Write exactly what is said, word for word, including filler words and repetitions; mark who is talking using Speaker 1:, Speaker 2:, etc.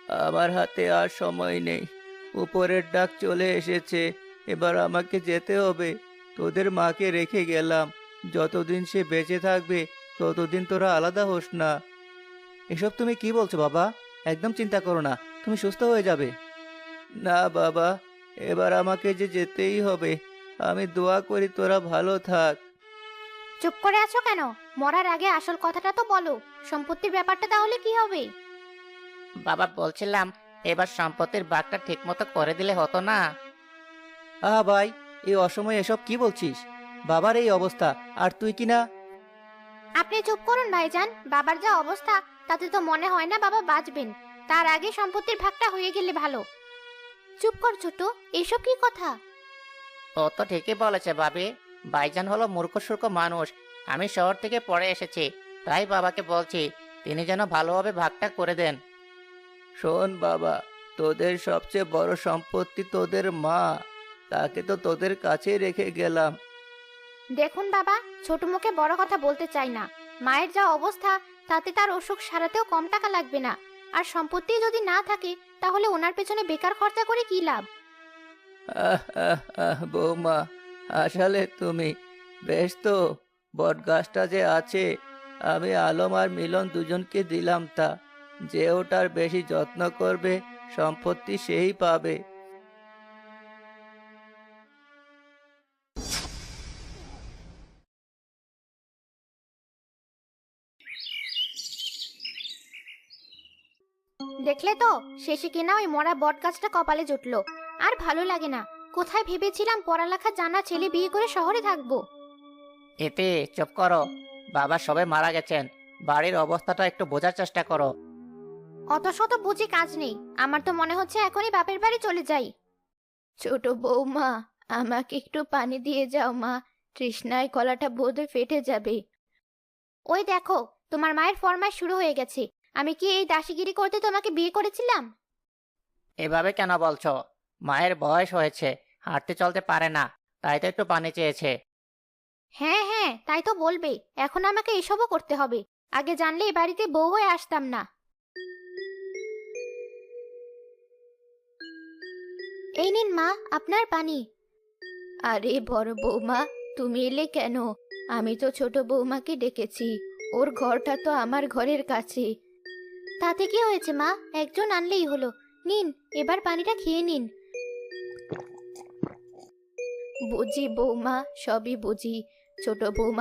Speaker 1: আমার হাতে আর সময় নেই। উপরের ডাক চলে এসেছে, এবার আমাকে যেতে হবে। তোদের মাকে রেখে গেলাম, যতদিন সে বেঁচে থাকবে ততদিন তোরা আলাদা হোস না। এসব তুমি কি বলছো বাবা? একদম চিন্তা করো না, তুমি সুস্থ হয়ে যাবে। না বাবা, এবার আমাকে যে যেতেই হবে। আমি দোয়া করি তোরা ভালো থাক।
Speaker 2: চুপ করে আছো কেন? মরার আগে আসল কথাটা তো বলো। সম্পত্তির ব্যাপারটা তাহলে কি হবে?
Speaker 3: বাবা, বলছিলাম এবার সম্পত্তির ভাগটা ঠিক মতো করে দিলে হতো না?
Speaker 1: আহা ভাই, এই অসময়ে এসব কি বলছিস? বাবার এই অবস্থা, আর তুই কি না?
Speaker 2: আপনি চুপ করুন ভাইজান। বাবার যা অবস্থা, তাতে তো মনে হয় না বাবা বাঁচবেন। তার আগে সম্পত্তির ভাগটা হয়ে গেলে ভালো। চুপ কর ছোট, এসব কি কথা?
Speaker 3: ও তো ঠিকই বলেছে ভাবি। ভাইজান হলো মূর্খ সূর্খ মানুষ। আমি শহর থেকে পড়ে এসেছি, তাই বাবাকে বলছি তিনি যেন ভালোভাবে ভাগটা করে দেন।
Speaker 1: শোন বাবা, তোদের সবচেয়ে বড় সম্পত্তি তোদের মা। তাকে তো তোদের কাছে রেখে গেলাম।
Speaker 2: দেখুন বাবা, ছোট মুখে বড় কথা বলতে চাই না। মায়ের যা অবস্থা, তাতে তার অসুখ সারাতেও কম টাকা লাগবে না। আর সম্পত্তি যদি না থাকে, তাহলে ওনার পেছনে বেকার খরচা করে কি লাভ?
Speaker 1: আহ আহ আহ বৌমা, আসলে তুমি বেশ তো। বট গাছটা যে আছে, আমি আলম আর মিলন দুজনকে দিলাম তা। যে ওটার বেশি যত্ন করবে সম্পত্তি সেই পাবে।
Speaker 2: দেখলে তো, শেষে কিনা ওই মরা বট গাছটা কপালে জুটলো। আর ভালো লাগে না। কোথায় ভেবেছিলাম পড়ালেখা জানা ছেলে বিয়ে করে শহরে থাকবো।
Speaker 3: এতে চুপ করো। বাবা সবে মারা গেছেন, বাড়ির অবস্থাটা একটু বোঝার চেষ্টা করো।
Speaker 2: অত শত বুঝি কাজ নেই। আমার তো মনে হচ্ছে এখনই বাপের বাড়ি চলে যাই। ছোট বৌমা, আমাকে একটু পানি দিয়ে যাও মা। তৃষ্ণায় গলাটা বোধহয় ফেটে যাবে। ওই দেখো, তোমার মায়ের ফরমাইশ শুরু হয়ে গেছে। আমি কি এই দাসীগিরি করতে তোমাকে বিয়ে করেছিলাম?
Speaker 3: এভাবে কেন বলছো? মায়ের বয়স হয়েছে, হাঁটতে চলতে পারে না, তাই তো একটু পানি চেয়েছে।
Speaker 2: হ্যাঁ হ্যাঁ, তাই তো বলবে। এখন আমাকে এসবও করতে হবে? আগে জানলে এ বাড়িতে বউ হয়ে আসতাম না। এই নিন মা, আপনার পানি। আরে বড় বৌমা, তুমি এলে কেন? আমি তো ছোট বৌমাকে ডেকেছি। ওর ঘরটা তো আমার ঘরের কাছে। তাতে কি হয়েছে মা? একজন আনলেই হলো। নিন, এবার পানিটা খেয়ে নিন। বুঝি বৌমা, সবই বুঝি। ছোট বৌমা